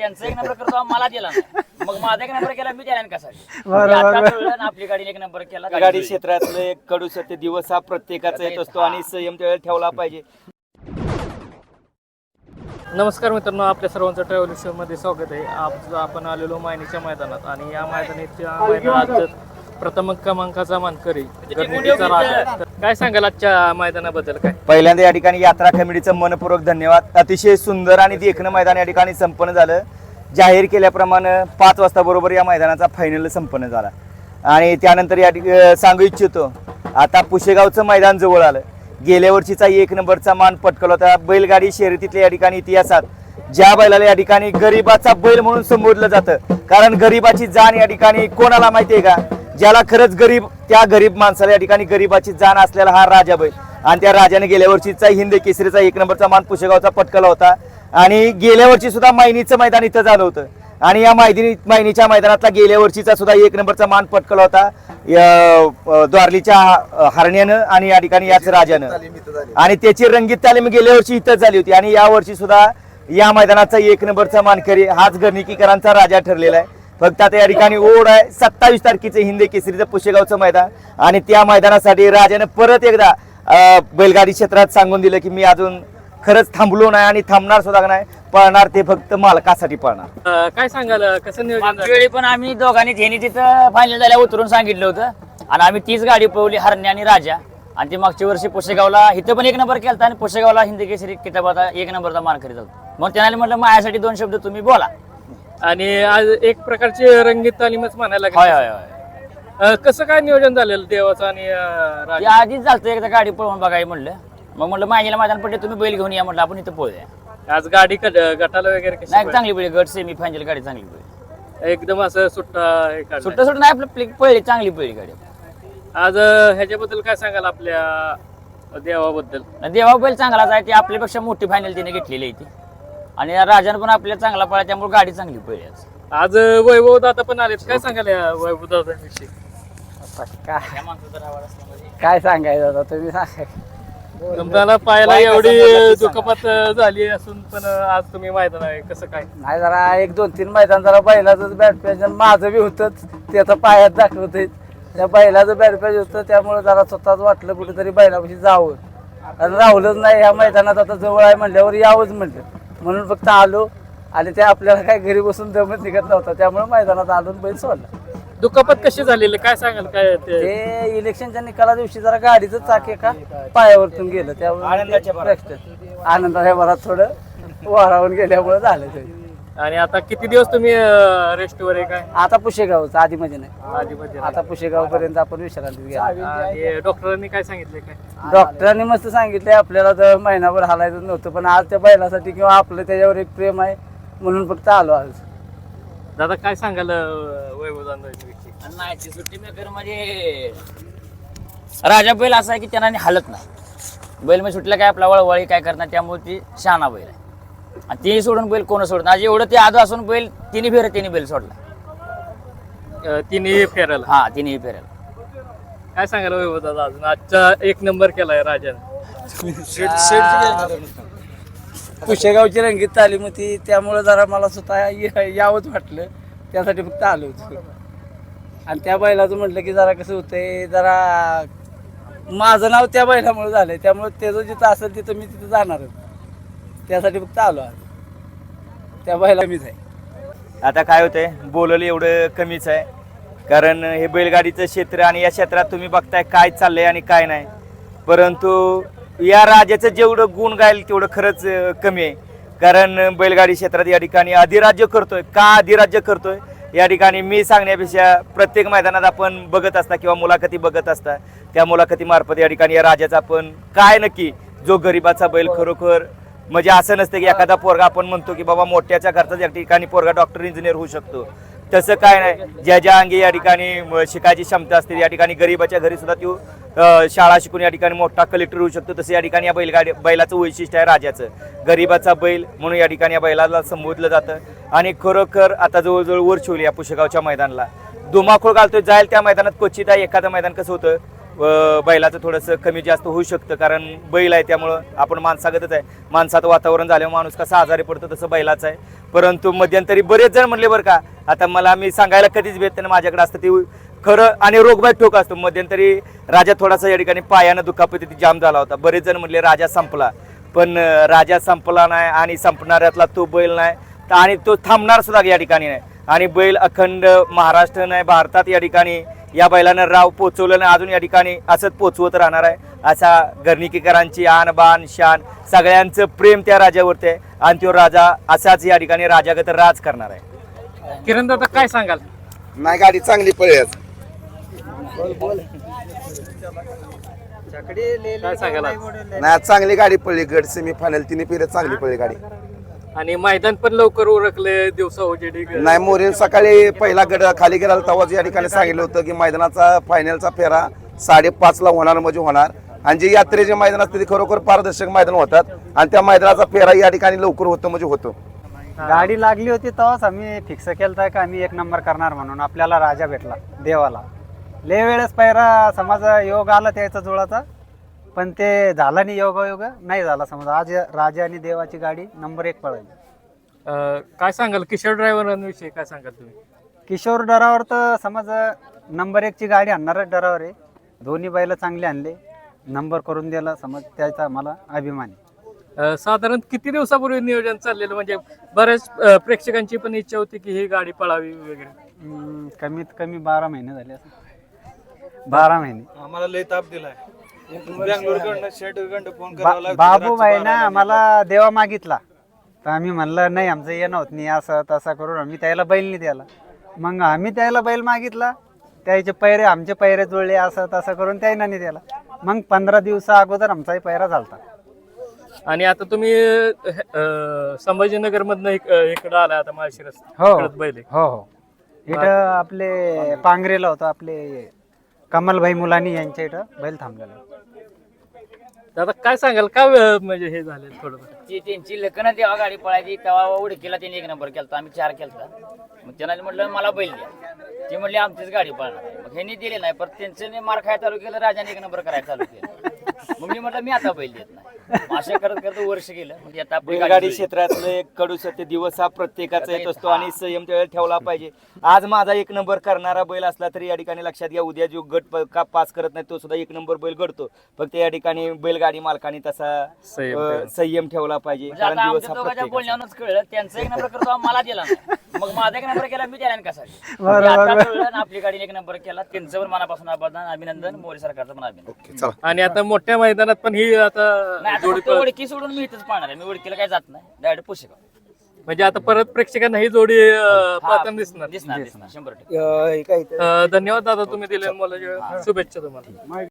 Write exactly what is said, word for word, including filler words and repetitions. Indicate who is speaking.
Speaker 1: त्यांचा एक नंबर करतो मला दिला नाही. मग माझा एक नंबर केला मी त्याला कसा आपली गाडी एक नंबर केला.
Speaker 2: गाडी क्षेत्रातलं एक कडू सत्य दिवस हा प्रत्येकाचा येत असतो आणि संयम त्यावेळेला ठेवला पाहिजे.
Speaker 3: नमस्कार मित्रांनो, आपल्या सर्वांचं ट्रॅव्हल शो मध्ये स्वागत आहे. आज आपण आलेलो मायनीच्या मैदानात आणि या मैदानाच्या मैदानात प्रथम क्रमांकाचा मानकरी गणपतीचा राजा. तर काय सांगाल आजच्या मैदानाबद्दल? काय
Speaker 2: पहिल्यांदा या ठिकाणी यात्रा कमिटीचं मनपूर्वक धन्यवाद. अतिशय सुंदर आणि देखणं मैदान या ठिकाणी संपन्न झालं. जाहीर केल्याप्रमाणे पाच वाजता बरोबर या मैदानाचा फायनल संपन्न झाला आणि त्यानंतर या ठिकाणी सांगू इच्छितो, आता पुशेगावचं मैदान जवळ आलं. गेल्या वर्षीचा एक नंबरचा मान पटकवला होता. बैलगाडी शर्यतीतल्या या ठिकाणी इतिहासात ज्या बैलाला या ठिकाणी गरीबाचा बैल म्हणून संबोधलं जातं, कारण गरीबाची जाण या ठिकाणी कोणाला माहितीये का? ज्याला खरंच गरीब, त्या गरीब माणसाला या ठिकाणी गरीबाची जाण असलेला हा राजा बैल. आणि त्या राजाने गेल्या वर्षीचा हिंद केसरीचा एक नंबरचा मान पुशेगावचा पटकवला होता आणि गेल्या वर्षी सुद्धा मायनीचं मैदान इथं झालं होतं आणि या मैदानी मायनीच्या मैदानातला गेल्या वर्षीचा सुद्धा एक नंबरचा मान पटकवला होता द्वारलीच्या हरण्यानं आणि या ठिकाणी याच राजानं. आणि त्याची रंगीत तालीम गेल्या वर्षी इथंच झाली होती आणि या वर्षी सुद्धा या मैदानाचा एक नंबरचा मानकरी हाच गर्णिकीकरांचा राजा ठरलेला आहे. फक्त आता या ठिकाणी ओढ आहे सत्तावीस तारखेचं हिंद केसरीचं पुशेगावचं मैदान आणि त्या मैदानासाठी राजानं परत एकदा बैलगाडी क्षेत्रात सांगून दिलं की मी अजून खरंच थांबलो नाही आणि थांबणार सुद्धा नाही, पळणार ते फक्त मालकासाठी पळणार.
Speaker 3: काय सांगाल कसं नियोजन?
Speaker 1: वेळी पण आम्ही दोघांनी झेनी तिथं फायनल झाल्या उतरून सांगितलं होतं आणि आम्ही तीच गाडी पळवली, हरण्या आणि राजा. आणि ती मागच्या वर्षी पुशेगावला इथं पण एक नंबर केला आणि पुशेगावला हिंद केसरी किताबाचा एक नंबरचा मानकरी झाला. मग त्याने म्हटलं माझ्यासाठी दोन शब्द तुम्ही बोला.
Speaker 3: आणि आज एक प्रकारची रंगीत तालीमच म्हणायला
Speaker 1: होय
Speaker 3: लागली.
Speaker 1: होय होय
Speaker 3: कसं काय नियोजन झालेलं देवाचं आणि अं,
Speaker 1: ते
Speaker 3: राजा?
Speaker 1: आधीच झालं एकदा गाडी पळवून बघाय म्हणलं. मग म्हटलं माझ्याला मैदान पडले तुम्ही बैल घेऊन या, म्हटलं आपण इथं पळूया.
Speaker 3: आज गाडी कड- गटाला वगैरे कशी
Speaker 1: नाही
Speaker 3: पळाली?
Speaker 1: चांगली पळली, गट सेमी फायनल गाडी चांगली पळली.
Speaker 3: एकदम असं सुट्टा हे काढलंय.
Speaker 1: सुट्ट सुट्ट नाही आपलं पळली, चांगली पळली गाडी.
Speaker 3: आज अं, ह्याच्याबद्दल काय सांगाल आपल्या देवाबद्दल?
Speaker 1: देवा बैल चांगलाच आहे, ती आपल्यापेक्षा मोठी फायनल तिने घेतलेली आहे ती. आणि राजानं पण आपल्याला चांगला पळा, त्यामुळे गाडी चांगली पळली आज.
Speaker 3: आज वैभव दादा पण आलेत. काय सांगाल या वैभव दादाविषयी?
Speaker 4: काय सांगायचं आता तुम्ही सांगा.
Speaker 3: तुम्हाला पाहायला एवढी दुखापत झाली असून पण आज तुम्ही मैदान आहे, कसं काय?
Speaker 4: नाही जरा एक दोन तीन मैदान जरा बैलाचं बॅट पॅच माझं बी होतंच, ते आता पायात दाखवत त्या बैलाचं बॅट पॅच होतं, त्यामुळे जरा स्वतःच वाटलं कुठेतरी बैलापाशी जावं आणि राहुलच नाही ह्या मैदानात आता जवळ आहे म्हणल्यावर यावंच म्हटलं, म्हणून फक्त आलो. आणि ते आपल्याला काय घरी बसून दमत निघत नव्हता, त्यामुळे मैदानात आलो बैल सोडला.
Speaker 3: दुखापत कशी झालेली काय सांगाल? काय ते
Speaker 4: ते इलेक्शनच्या निकाला दिवशी जरा गाडीचं चाक एका पायावरतून गेलं, त्यामुळे
Speaker 2: आनंदाच्या भरात.
Speaker 4: आनंदाच्या भरात थोडं वारावून गेल्यामुळे झालं ते.
Speaker 3: आणि आता किती दिवस तुम्ही रेस्टवर आहे? काय
Speaker 4: आता पुशेगावचं आधी मध्ये नाही,
Speaker 3: आधीमध्ये
Speaker 4: आता पुशेगाव पर्यंत आपण विश्रांती घ्या.
Speaker 3: आणि डॉक्टरांनी काय सांगितले? काय
Speaker 4: डॉक्टरांनी मस्त सांगितले आपल्याला तर महिनाभर हालायचं नव्हतं, पण आज त्या बैलासाठी किंवा आपलं त्याच्यावर एक प्रेम आहे म्हणून फक्त आलो आज.
Speaker 3: दादा काय सांगाल वैभव दादाविषयी?
Speaker 1: नाही ती सुट्टी मेकर म्हणजे राजा बैल असा आहे की त्यांना हलत नाही. बैल म्हणजे सुटलं काय आपला वळवळी काय करणार, त्यामुळे ती शहाणा बैल आहे. आणि तिने सोडून बैल कोण सोडत आज एवढं ते आजू असून बैल तिन्ही फेर तिने बैल सोडला.
Speaker 3: अं, तिन्ही फेरायला
Speaker 1: हा तिन्ही फेरेल.
Speaker 3: काय सांगाल वैभव दादा? अजून आजचा एक नंबर केलाय राजाने.
Speaker 4: पुशेगावची रंगीत तालीम होती, त्यामुळे जरा मला स्वतः या- यावंच वाटलं, त्यासाठी फक्त आलो होतो. आणि त्या बैलाचं म्हटलं की जरा कसं होतंय, जरा माझं नाव त्या बैलामुळे झालंय, त्यामुळे त्याचं जिथं असेल तिथं मी तिथं जाणारच, त्यासाठी फक्त आलो आज. त्या बैला मीच आहे.
Speaker 2: आता काय होतंय, बोललं एवढं कमीच आहे, कारण हे बैलगाडीचं क्षेत्र आणि या क्षेत्रात तुम्ही बघताय काय चाललंय आणि काय नाही. परंतु या राजाचं जेवढं गुण गायल तेवढं खरंच अं, कमी आहे. कारण बैलगाडी क्षेत्रात या ठिकाणी अधिराज्य करतोय. का अधिराज्य करतोय या ठिकाणी मी सांगण्यापेक्षा प्रत्येक मैदानात आपण बघत असता किंवा मुलाखती बघत असता, त्या मुलाखतीमार्फत या ठिकाणी या राजाचा आपण काय नक्की जो गरिबाचा बैल खरोखर म्हणजे असं नसतं की एखादा पोरगा आपण म्हणतो की बाबा मोठ्याच्या घरचा या ठिकाणी पोरगा डॉक्टर इंजिनियर होऊ शकतो, तसं काय नाही. ज्या ज्या अंगी या ठिकाणी शिकायची क्षमता असते, या ठिकाणी गरिबाच्या घरी सुद्धा तो शाळा शिकून या ठिकाणी मोठा कलेक्टर होऊ शकतो. तसं या ठिकाणी या बैलगाडी बैलाचं वैशिष्ट्य आहे राजाचं, गरिबाचा बैल म्हणून या ठिकाणी या बैलाला संबोधलं जातं. आणि खरोखर आता जवळजवळ वर शिवली या पुशेगावच्या मैदानाला धुमाकूळ घालतोय. जाईल त्या मैदानात क्वचित आहे एखादं मैदान कसं होतं व बैलाचं थोडंसं कमी जास्त होऊ शकतं, कारण बैल आहे त्यामुळं आपण माणसागतच आहे, माणसाचं वातावरण झाल्यामुळे माणूस कसा आजारी पडतो तसं बैलाचं आहे. परंतु मध्यंतरी बरेच जण म्हणले बरं का, आता मला मी सांगायला कधीच भेटत नाही, माझ्याकडे असतं ते खरं आणि रोगबाई ठोक असतो. मध्यंतरी राजा थोडासा या ठिकाणी पायानं दुखापती जाम झाला होता. बरेच जण म्हणले राजा संपला, पण अं, राजा संपला नाही आणि संपणाऱ्यातला तो बैल नाही तर आणि तो थांबणार सुद्धा या ठिकाणी नाही. आणि बैल अखंड महाराष्ट्र नाही भारतात या ठिकाणी या बैलानं राव पोचवलं नाही, अजून या ठिकाणी असंच पोचवत राहणार आहे. असा गर्णिकेकरांची आन बान शान सगळ्यांचं प्रेम त्या राजावरती आहे आणि तो राजा असाच या ठिकाणी राजागत राज करणार आहे.
Speaker 3: किरण दादा काय सांगाल?
Speaker 5: नाही गाडी चांगली पळली आज.
Speaker 3: काय सांगाल आज?
Speaker 5: नाही आज चांगली गाडी पडली. गट सेमी फायनल तिन्ही फेऱ्यात चांगली पडली गाडी.
Speaker 3: आणि मैदान पण लवकर उरकले दिवसा उजेडी.
Speaker 5: नाही मोरेन सकाळी पहिला गड खाली गेला तेव्हाच या ठिकाणी सांगितलं होतं की मैदानाचा फायनलचा फेरा साडेपाच ला होणार म्हणजे होणार. आणि जे यात्रेचे मैदान असते ते खरोखर पारदर्शक मैदान होतात आणि त्या मैदानाचा फेरा या ठिकाणी लवकर होतो म्हणजे होतो.
Speaker 6: गाडी लागली होती तेव्हाच आम्ही फिक्स केलं का आम्ही एक नंबर करणार म्हणून. आपल्याला राजा भेटला देवाला. लय वेळेस पहिला समज योग आला त्याचा जुळाचा, पण ते झाला नाही, योग योग नाही झाला. समज आज राजा आणि देवाची गाडी नंबर एक पळाली.
Speaker 3: अं, काय सांगाल किशोर ड्रायव्हरांविषयी काय सांगाल तुम्ही?
Speaker 6: किशोर डरावर तर समज नंबर एकची गाडी आणणारच डरावर आहे. दोन्ही बैल चांगले आणले, नंबर करून दिला, समज त्याचा मला अभिमान आहे.
Speaker 3: अं, साधारण किती दिवसापूर्वी नियोजन चाललेलं? म्हणजे बऱ्याच अं, प्रेक्षकांची पण इच्छा होती की ही गाडी पळावी वगैरे.
Speaker 6: हम्म, कमीत कमी बारा महिने झाले असं. बारा महिने
Speaker 7: आम्हाला लय ताप दिलाय. बँगलोरकडनं शेटकडनं फोन
Speaker 6: बा- बाबू भाईना आम्हाला देवा मागितला तर आम्ही म्हणलं नाही आमचं येणं होत नाही, असं तसा करून आम्ही त्याला बैल नाही द्यायला. मग आम्ही त्याला बैल मागितला, त्याचे पैरे आमचे पैरे जुळले, असं तसं करून त्याला नाही द्यायला. मग पंधरा दिवसा अगोदर आमचाही पैरा झालता.
Speaker 3: आणि आता तुम्ही अं, संभाजीनगर मधनं इकडं आला आता माळशिरस
Speaker 6: हो
Speaker 3: इकडंच बैल आहे.
Speaker 6: हो हो इथं आपले पांगरेला होतं, आपले कमलभाई मुलानी यांच्या इथं बैल थांबलेला.
Speaker 3: दादा काय सांगाल का अं, म्हणजे हे झाले थोडं?
Speaker 1: ती त्यांची लग्न तेव्हा गाडी पळायची तेव्हा उडकीला त्यांनी एक नंबर केला, आम्ही चार केलता. मग त्यांना म्हटलं मला बैल द्या, ती म्हणली आमचीच गाडी पळणार आहे. मग ह्यांनी दिले नाही, पण त्यांचं मार खायला चालू केलं, राजाने एक नंबर करायला चालू केलं. मग मी म्हटलं मी आता बैल देत नाही. मग असं करत करत वर्ष गेलं. म्हणजे आता आपली
Speaker 2: बैलगाडी
Speaker 1: गाडी
Speaker 2: क्षेत्रातलं एक कडू सत्य दिवस हा प्रत्येकाचा येत असतो आणि संयम त्यावेळेला ठेवला पाहिजे. आज माझा एक नंबर करणारा बैल असला तरी या ठिकाणी लक्षात घ्या, उद्या जो गट प- का पास करत नाही तो सुद्धा एक नंबर बैल घडतो. फक्त या ठिकाणी बैलगाडी मालकाने तसा
Speaker 3: संयम
Speaker 2: अं,
Speaker 3: ठेवायचा.
Speaker 2: संयम ठेवला पाहिजे,
Speaker 1: म्हणजे
Speaker 2: कारण
Speaker 1: आता
Speaker 2: दिवस
Speaker 1: आमच्या
Speaker 2: हा
Speaker 1: दोघांच्या
Speaker 2: प्रत्येकाचा.
Speaker 1: बोलण्यावरूनच कळलं त्यांचा एक नंबर करतो मला दिला नाही. मग माझा एक नंबर केला मी त्याला कसा.
Speaker 6: बरोबर.
Speaker 1: आता कळलं ना, आपली गाडीने एक नंबर केला, त्यांचं पण मनापासून अभिनंदन अभिनंदन मोरे सरकारचं पण अभिनंदन.
Speaker 5: ओके चला.
Speaker 3: आणि आता मोठ्या मैदानात पण ही आता
Speaker 1: नाही आता
Speaker 3: जोडी
Speaker 1: फक्त
Speaker 3: पळ-
Speaker 1: ओळखी सोडून मी इथंच पाहणार आहे. मी ओळखीला काय जात नाही, डायरेक्ट पुशेगाव.
Speaker 3: म्हणजे आता परत प्रेक्षकांना ही जोडी अं, पाहताना दिसणार.
Speaker 1: दिसणार दिसणार शंभर टक्के.
Speaker 2: अं, हे काय
Speaker 3: अं, धन्यवाद दादा तुम्ही दिले मला शुभेच्छा तुम्हाला.